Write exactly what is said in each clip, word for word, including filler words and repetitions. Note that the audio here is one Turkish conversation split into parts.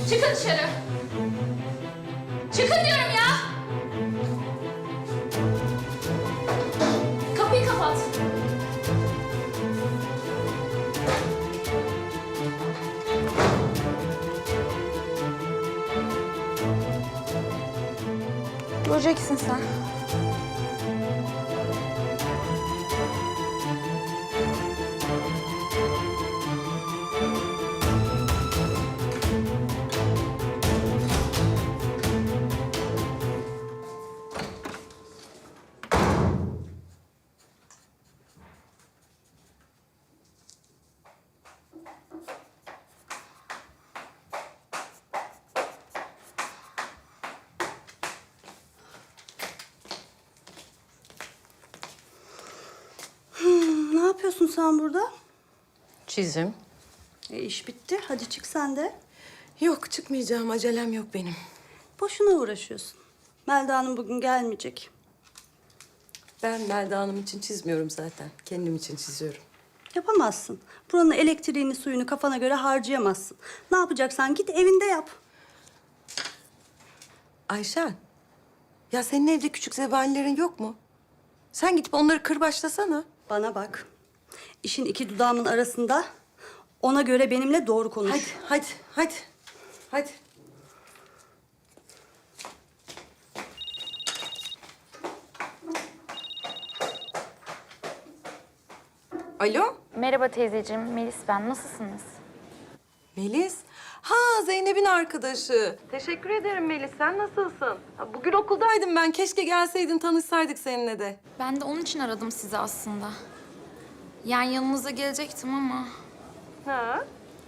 Çıkın dışarı. Çıkın diyorum ya. Kapıyı kapat. Göreceksin sen. Ne yapıyorsun sen burada? Çizim. E, iş bitti. Hadi çık sen de. Yok, çıkmayacağım. Acelem yok benim. Boşuna uğraşıyorsun. Melda Hanım bugün gelmeyecek. Ben Melda Hanım için çizmiyorum zaten. Kendim için çiziyorum. Yapamazsın. Buranın elektriğini, suyunu kafana göre harcayamazsın. Ne yapacaksan git evinde yap. Ayşen, ya senin evde küçük zebanilerin yok mu? Sen gidip onları kırbaçlasana. Bana bak. İşin iki dudağımın arasında. Ona göre benimle doğru konuş. Hadi, hadi, hadi. Hadi. Alo, Merhaba teyzeciğim, Melis ben. Nasılsınız? Melis. Ha, Zeynep'in arkadaşı. Teşekkür ederim Melis. Sen nasılsın? Ha, bugün okuldaydım ben. Keşke gelseydin, tanışsaydık seninle de. Ben de onun için aradım sizi aslında. Yani yanınıza gelecektim ama... Ha?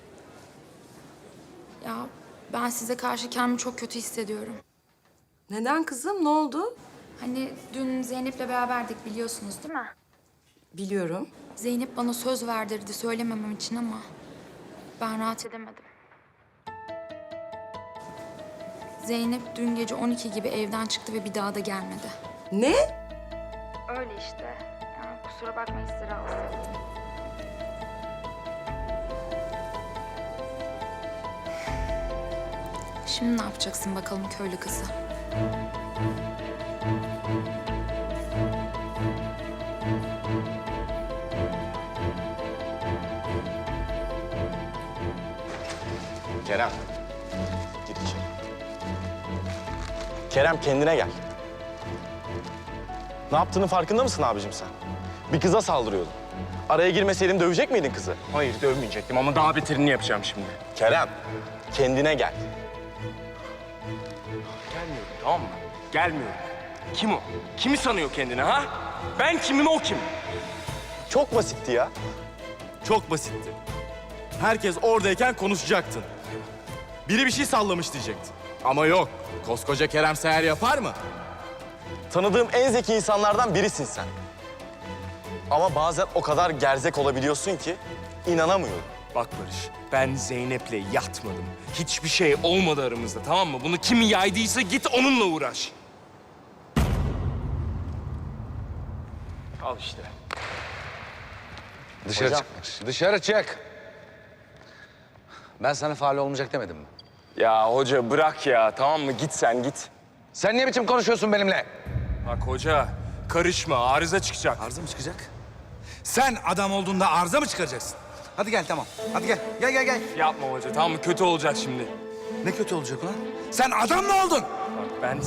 Ya ben size karşı kendimi çok kötü hissediyorum. Neden kızım? Ne oldu? Hani dün Zeynep'le beraberdik biliyorsunuz değil mi? Biliyorum. Zeynep bana söz verdirdi söylememem için ama... ben rahat edemedim. Zeynep dün gece on iki gibi evden çıktı ve bir daha da gelmedi. Ne? Öyle işte. Yani kusura bakmayın sizi rahatsız ettim. Şimdi ne yapacaksın bakalım köylü kızı? Kerem, gir içeri. Kerem kendine gel. Ne yaptığının farkında mısın abicim sen? Bir kıza saldırıyordun. Araya girmeseydin dövecek miydin kızı? Hayır, dövmeyecektim ama daha beterini yapacağım şimdi. Kerem, kendine gel. Gelmiyorum, tamam mı? Gelmiyorum. Kim o? Kimi sanıyor kendini ha? Ben kimim, o kim? Çok basitti ya. Çok basitti. Herkes oradayken konuşacaktın. Biri bir şey sallamış diyecektin. Ama yok. Koskoca Kerem Seher yapar mı? Tanıdığım en zeki insanlardan birisin sen. Ama bazen o kadar gerzek olabiliyorsun ki inanamıyorum. Bak Barış, ben Zeynep'le yatmadım. Hiçbir şey olmadı aramızda, tamam mı? Bunu kim yaydıysa git onunla uğraş. Al işte. Dışarı Hocam. çık. Dışarı çık. Ben sana faal olmayacak demedim mi? Ya hoca bırak ya, tamam mı? Git sen, git. Sen ne biçim konuşuyorsun benimle? Bak hoca, karışma, arıza çıkacak. Arıza mı çıkacak? Sen adam olduğunda arıza mı çıkaracaksın? Hadi gel tamam. Hadi gel. Gel gel gel. Yapma hoca, tamam mı? Kötü olacak şimdi. Ne kötü olacak lan? Sen adam mı oldun? Bak ben...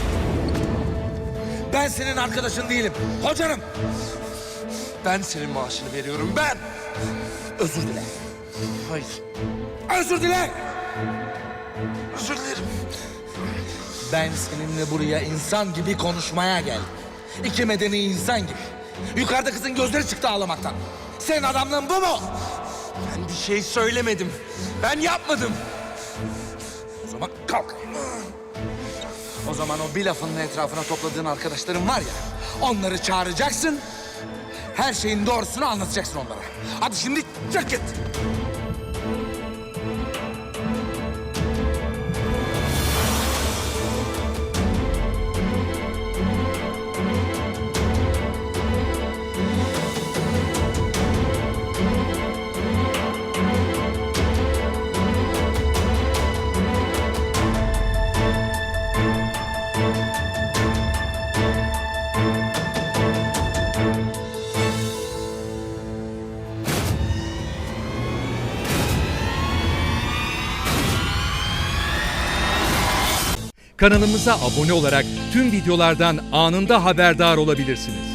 Ben senin arkadaşın değilim. Hocanım. Ben senin maaşını veriyorum, ben! Özür dile. Hayır. Özür dile. Özür dilerim. Ben seninle buraya insan gibi konuşmaya geldim. İki medeni insan gibi. Yukarıda kızın gözleri çıktı ağlamaktan. Senin adamlığın bu mu? Ben bir şey söylemedim. Ben yapmadım. O zaman kalk. O zaman o bir lafının etrafına topladığın arkadaşların var ya... onları çağıracaksın. Her şeyin doğrusunu anlatacaksın onlara. Hadi şimdi çık git. Kanalımıza abone olarak tüm videolardan anında haberdar olabilirsiniz.